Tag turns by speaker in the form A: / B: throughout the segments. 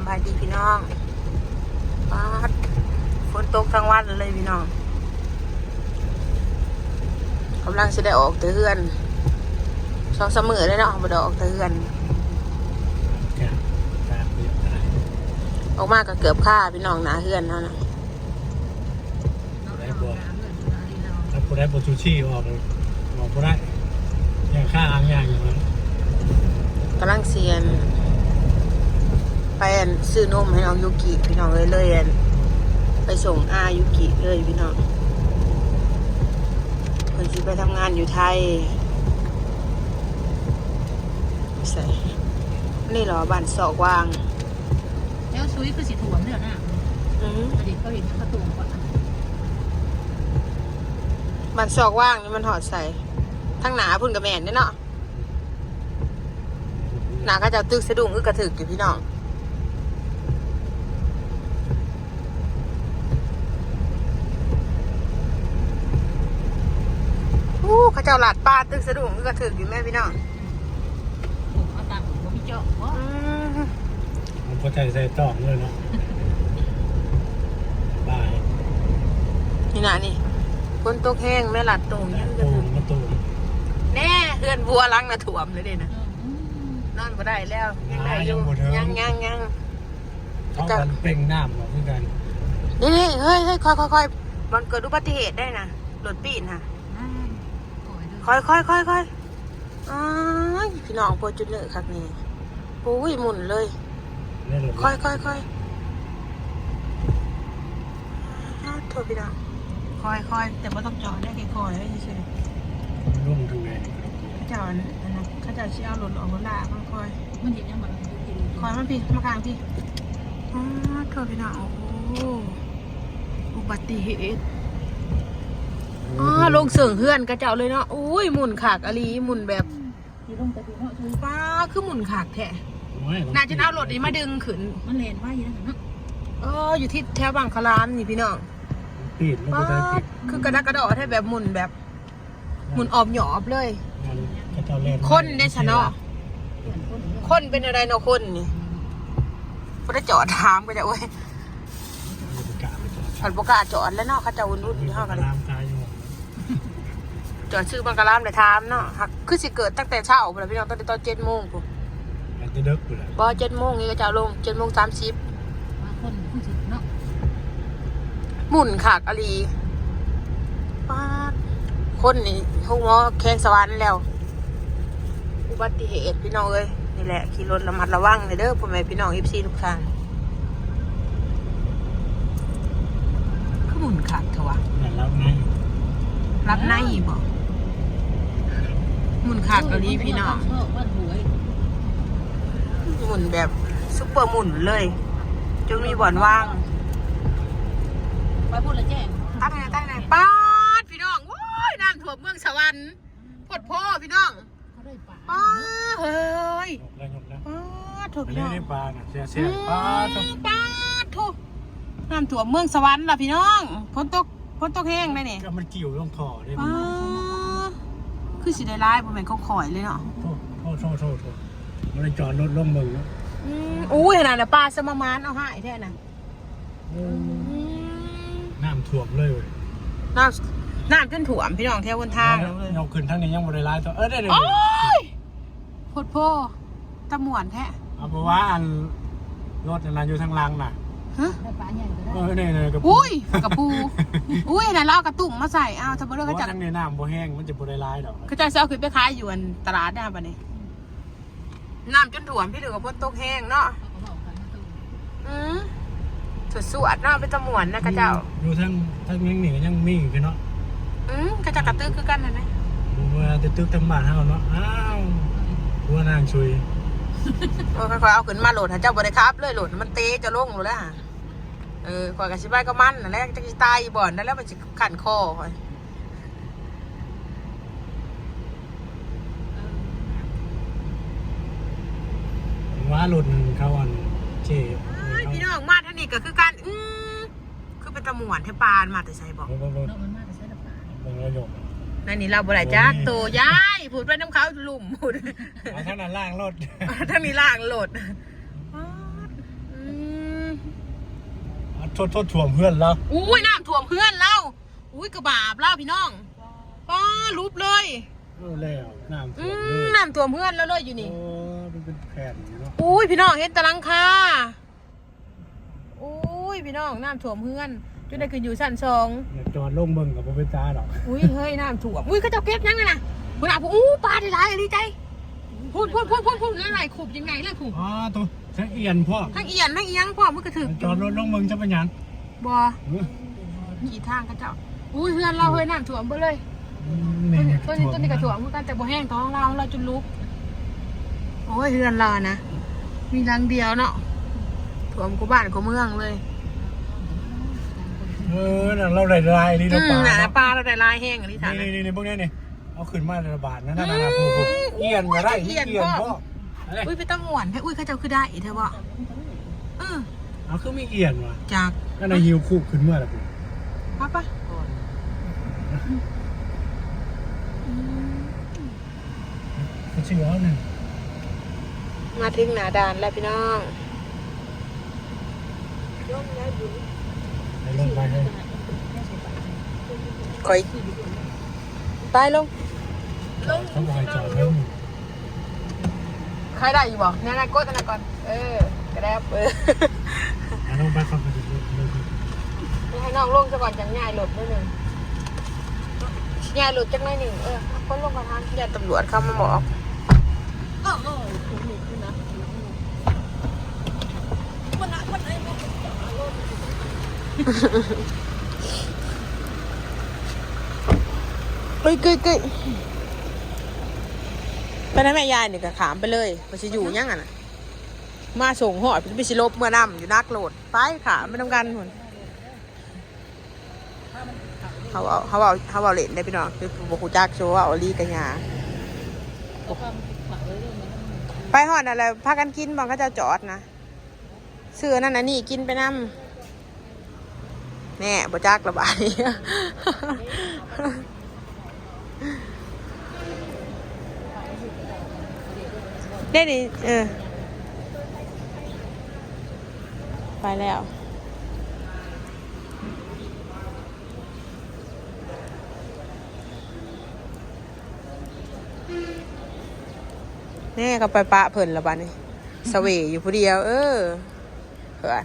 A: บายดีพี่น้องปาดฝนตกทั้งวันเลยพี่น้องกำลังจะได้ออกเตือน2-3 มื้อเลยเนาะบ่ได้ออกเตือนออกมาก็เกือบค่าพี่น้องหนาเฮือนเนาะนะ
B: แล้วกูได้บชูชีออกกูได้อย่างค่าอ่างอย่างอย่างนั้น
A: กำลังเซียนไปซื้อนมให้น้องยูกิพี่น้องเลยไปส่งอายูกิเลยพี่น้องเพิ่นสิไปทำงานอยู่ไทยใส่นี่เหรอบ้านศอกวาง
C: แล้วซุยคือสีถ่วมเนี่ยนะอดีตเขาเห็นกระตุ้งก่อน
A: บ้านศอกว่างนี่มันหอดใส่ทั้งหนาพุ่นกับแม่นเนาะหนาก็จะตึกสะดุ้งกระถึกอยู่พี่น้องเขาเจ้าหลาดป้าตึกสะดุ้งกระถึกอยู่แม่พี่น้อง
C: ผมเอาตามผมไม่เจาะ
B: ผมก็ใส่ต่อเลยเนาะบาย
A: นี่นะนี่คนตกแห้งแม่หลาดตรงยังกระถึกแน่เฮือนบัวล้างน่ะถ่วมเลยเด้นะนอนบ่ได้แล้วยังได้อยู่ยัง
B: เขากันเป่งน้ำหรอเพื่อนกัน
A: นี่เฮ้ยค่อยมันเกิดอุบัติเหตุได้นะรถปีนค่ะค่อยพี่น้องปวดจุดเลยครับนี่โอ้ยหมุนเลยค่อยโทษพี่น้องค่อยแต่ไม่ต้องจอดได้แค่ค่อยได้เฉย
B: ร่วมทางไหน
A: ข้าเจ้าอันนั้นข้าเจ้าชี้เอารถออกรถลากค่อย
C: มันเห็นยังไง
A: ค่อยมันพี่มากลางพี่โทษพี่น้องโอ้อุบัติเหตุลงเสื่องเฮือนกระเจ้าเลยเนาะอุ้ยหมุนขากอลีหมุนแบบป้าคือหมุนขากแท้น่าจะเอารถนี้มาดึงขึ้น
C: มันเลนว่าอย่างนั้น
A: อยู่ที่แถวบางคลามนี่พี่น้องป้าคือกระดักกระดอแท้แบบหมุนแบบหมุนออบหยอบเลยคนเนี่ยชะเนาะคนเป็นอะไรเนาะคนนี่พอได้จอดถามก็จะโอ้ยผัดโปกาจอดแล้วเนาะเขาจะวุ่นอยู่ห้องกันเลยจอดชื่อบางกะลามเลยถามเนาะหักคือสิเกิดตั้งแต่เช้าเลยพี่น้องตั้งแต่ตอน7 โมงปุ๊บ
B: จะเด็กปุ๊บ
A: บ่7 โมงนี่ก็จะลง7:30
C: คนผู้สิเนาะ
A: หมุนขากอลีป้าคนนี่ห้องหมอแข้งสวรรค์แล้วอุบัติเหตุพี่น้องเอ้ยนี่แหละขี่รถระมัดระวังเลยเด้อพ่อแม่พี่น้องFCทุกท่านคือหมุนขากเถอะวะรับในบ่หมุนขากอลีพี่น้องหมุนแบบซุปเปอร์หมุนเลยจนมีบ่อนว่าง
C: ไปพูดเลยแจ้ง
A: ตั้งไหนป้าดพี่น้องโอ้ยน้ำท่วมเมืองสวรรค์พดพ่อพี่น้องป้าเฮ้ยป้าถูกพี่น้อง
B: ป้าเสียป้า
A: ถูกน้ำท่วมเมืองสวรรค์ล่ะพี่น้องฝนตกแห้งได้เนี่ย
B: ก็มันกิ่วลงท่อเลย
A: คือสิได้ร้ายผมเห็นเขาข่อยเลยเนาะ
B: โทษมันเลยจอดรถลงมึง
A: อุ้ยขนาดน่ะปลาสมามานเอาหายแท้น่ะ
B: น้ำท่วมเลย
A: น้ำจนถ่วมพี่น้องแถวบนทาง
B: เลยเอาขึ้นทางนี้ยังไม่ได้ร้ายตัวได้เลย
A: โคตรโพตะหมวนแท้
B: เอาไปว่าอันรถนั้นอยู่ทางล่างน่ะ
A: ฮะ
B: เนี่ยกระปู
A: อุ้ยกระปูอุ้ยน่ะเรากระตุ่มมาใส่เอาทำไมเรื่องก็
B: จะทางนี้น้ำบ่แห้งมันจะบ่ได้ร้ายดอก
A: ก็จะเอาขึ้นไปขายอยู่อันตลาดได้ป่ะนี่น้ำจนถ่วมพี่เหลือกับฝนตกแห้งเนาะสวดเนาะเป็นตะหมวนนะกระเจ้า
B: ดูทั้งยังหนียังมีกันเนาะ
A: กระเจ้ากระตื้อคือกันนะ
B: ดูว่าจะตึกทั้งบ้านเฮาเนาะอ้าวหัวนางช่วย
A: ค่อยๆเอาขึ้นมาโหลดหาเจ้าบริครับเลยโหลดมันเตะจะลงหมดแล้วข่อยกับชิบายก็มันแล้วจะตายบ่อนแล้วมันจะขันคอค่อย
B: ว่าหลุดเขาอันเจ็บ
A: พี่น้องมาท่านี่ก็คือการคือเป็นตะหมวนเทปานมาแต่ใส่บอกนั่นนี่เราบ่ได้จักโตย้ายพูดไปน้ำเขาหลุมพูด
B: ท่านนั้นล่างรถ
A: ท่านนี้ล่างรถ
B: โทษถ่วงเพื่อนแล้ว
A: อุ้ยน้ำท่วมเพื่อนเราอุ้ยกระบาบเล่าพี่น้องป้ารูปเลย
B: แล้วน้ำท่วมเลย
A: น้ำท่วมเพื่อนแล้วเลยอยู่นี่
B: โอ้มันเป็นแผ่นเนาะ
A: อุ้ยพี่น้องเห็นตะลังคาอุ้ยพี่น้องน้ำท่วมเพื่อนจนได้ขึ้นอยู่ชั้น2
B: อย่าจอดลงเบิ่งกับบ่เป็นตาดอก
A: อุ้ยเฮ้ยน้ำท่วมอุ้ยเขาเจ้าเก็บยังไงนะคุณอาพูปลาได้หลายดีใจพูดอะไรขุบยังไงเลยขุบ
B: อ๋อตัวทั้งเอียนพ่อ
A: ทั้งเอียนทั้งเอียงพ่อมันกระถึก
B: จอดรถลงเบิ่งจะเป็นหยัง
A: บ่ขี่ทางเขาเจ้าอุ้ยเพื่อนเราเฮ้ยน้ำท่วมไปเลยต้นนี้กระถ่วมเหมือนกันแต่บ่แห้งท้องเราจนลุกโอ้ยเพื่อนเรานะมีรังเดียวเนาะถ่วมกูบ้านกูเมืองเลย
B: น่ะเราได้ลายนี่เราปลา
A: น่ะปลาเราได้ลายแห้งอันนี้ถาม
B: นี่พวกนี้นี่เอาขึ้นมาระบาดนะผู้เอียนก็ได้เอียนพ่อ
A: อุ้ยไปต้องหวนให้อุ้ยเขาเจ้าคือได้เธอบ่
B: เอาคือมีเอียนว่ะ
A: จาก
B: ก็ในหิวคู่ขึ้นเมื่อไหร่ปุ๊บ
A: ปั๊บปะ
B: เขาชื่อเขาหนึ่ง
A: มาถึงหนาดานแล้วพี่น้อง
B: ไปลงไปเลย
A: คอยตายลง
B: เขาบอกให้จอดเพิ่ม
A: ใครได้อยู่บ่เนี่ยนะกดอันนั้นก่อนกระแดบ
B: ลงไปฟังกันดู
A: ให้น้องลงซะก่อนจังง่ายหลดนิดนึงง่ายหลดจังไม่หนึ่งคนลงมาทางอย่าตำรวจเข้ามาบอกเฮ้ยไปนะแม่ยายนี่ก็ขามไปเลยมันจะอยู่ยังไงน่ะมาส่งหอดไปสิลบเมื่อนำอยู่นักโหลดไปขามไม่ต้องกันหนเขาเอาเล่นได้พี่น้องคือบุกจักโชว์เอาลีกันยาไปหอดอะไรพากันกินบางก็จะจอดนะเสื้อนั่นน่ะนี่กินไปน้ำแน่บุจักระบายได้ดิไปแล้วแน่ก็ไปปะเพิ่นละบ้านี่สเวอยู่ผู้เดียวเผื่อ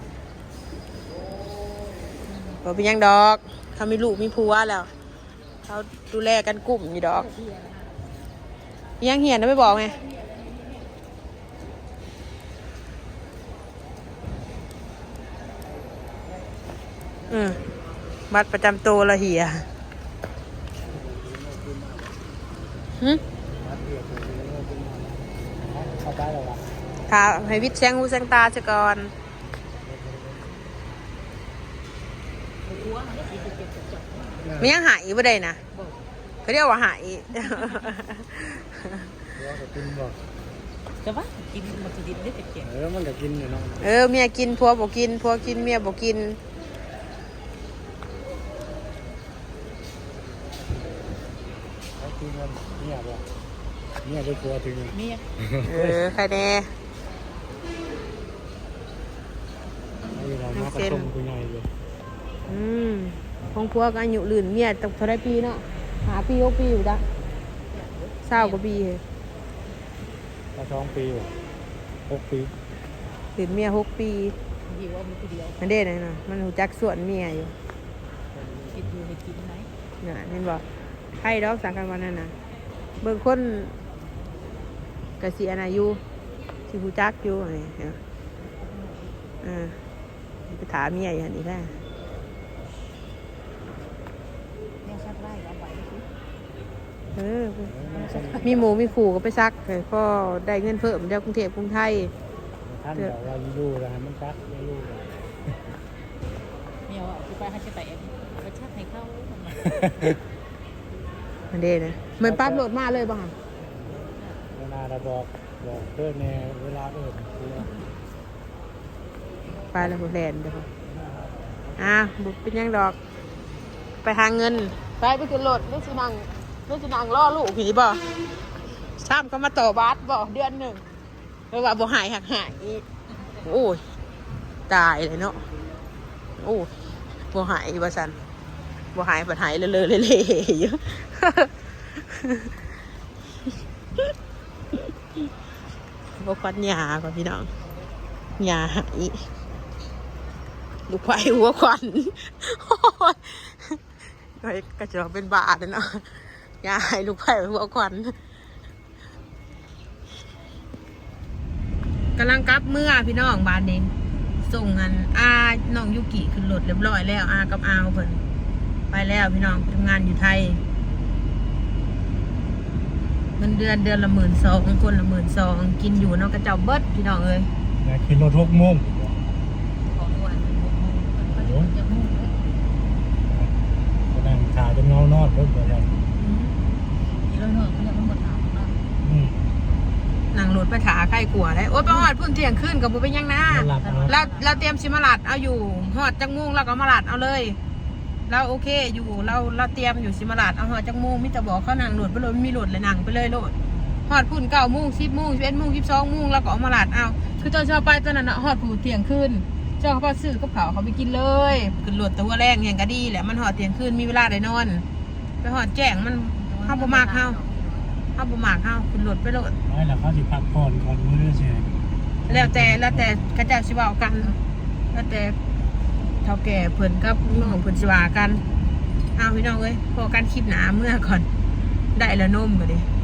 A: บ่เป็นยังดอกเขามีลูกมีผัวแล้วเขาดูแลกันกลุ่มอยู่ดอกยังเหียนนะไม่บอกไงบัตรประจำตัวละเหียค่ะให้วิทย์แซงหูแซงตาซะก่อนมันยังหายบ่ได้นะเขาเรียกว่าหาย
C: จะว่ากินมันจะดินได้แต่เกี่ยว
B: มันก็กินอยู่เนาะ
A: เมียกินผัวบ่กินผัวกินเมียบ่กิน
B: เนี่ยบ่เนี่ยไปตัวถึง
C: เนี่ย
A: ใครแน่
B: เรามาผสมกูใหญ่เลย
A: ของผัวก็อายุลื่นเมียตั้งเท่าไรปีเนาะ5 ปี 6 ปีอยู่จ้ะ20 กว่าปี
B: ก็2 ปี6 ปี
A: ลื่นเมีย6 ปีมันเด้เลยนะมันหูจักส่วนเมียอยู่
C: กินอยู่ให้กินไหม
A: น่ะเห็นบอกใครดอกสังกันวันนั้นนะเบิ่งคนกะสิอายุที่หูจักอยู่นี่ไปถามเมียอย่างนี้ได้มีหมูมีขู่ก็ไปซักก็ได้เงินเพิ่มจากกรุงเทพกรุงไทย
B: ท่านเดี๋ยวเราอยู่แล้วมันซักไม่อยู่
C: เมียว่าไปให้ไปไปชักให้เข้า
A: มันเด้นะเหมือนปั๊บโหลดมาเลยบ้าง
B: เวลาเราบอกเพื่อนในเวลา
A: ไปแล้วแลนเดี๋ยวบุกเป็นยังดอกไปหาเงินไปขึ้นรถเรื่องสินังล่อลูกผีบ่ซ้ำก็มาต่อบาสบ่เดือนหนึ่งเพราะว่าบ่หายหักหายโอ้ยตายเลยเนาะโอ้บ่หายว่าซั่นบ่หายบ่หายเลอะๆเละๆอยู่ บ่ควันหญ้าก่อนพี่น้องหญ้าหายลูกไผ่หัวควันโอ้ยก็จะเป็นบาทเลยเนาะหญ้าหายลูกไผ่หัวควันกำลังกลับเมื่อพี่น้องบ้านเองส่งเงินน้องยุกิขึ้นรถเรียบร้อยแล้วกับเพิ่นไปแล้วพี่น้องทำงานอยู่ไทยเงินเดือนละ12,000คนละ12,000กินอยู่เนาะกระเจ้าเบิดพี่น้องเอ้ย
B: อยากกินรถ6 โมง
C: ขอด้วยมันจะมุ่งเลย
B: ก็นั่งขาจนเงานอดเพิ่นบ่ได้
C: แล้วเนอะเขาจะต้องมาถามว่า
A: นั่งรถไปถาใกล้กลัวได้โอ๊ยไปฮอดพุ่นเที่ยงคืนกับบุเป็นหยังนะ
B: หลับเอา
A: เราเตรียมสิมาลัดเอาอยู่ฮอดจักมุงเราก็มาลัดเอาเลยเราโอเคอยู่เราเตรียมอยู่สิมาลัดเอาฮอดจักมุงมิตรบอกเขานั่งรถไปเลยมีรถเลยนั่งไปเลยโลดฮอดพุ่น9 โมง 10 โมง 11 โมง 12 โมงเราก็เอามาลัดเอาคือตอนเช้าไปตอนนั้นฮอดผู้เที่ยงคืนเจ้าเขาพอซื้อกับเขาไปกินเลยขึ้นรถตัวแรงแห่งก็ดีแหละมันฮอดเที่ยงคืนมีเวลาได้นอนไปฮอดแจ้งมันเข้าบ่มากเข้าขึ้นรถไปโลด
B: ไม่แล้วเขาสิพักผ่อนก่อนมื้อใช่
A: แล้วแต่กระเจ้าสิเว้ากันแล้วแต่เท่าแก่เพิ่นกับน้องเพิ่นสิว่ากันเอาพี่น้องเอ้ยพอกันคลิปหนาเมื่อก่อนได้ละนมก็ดิ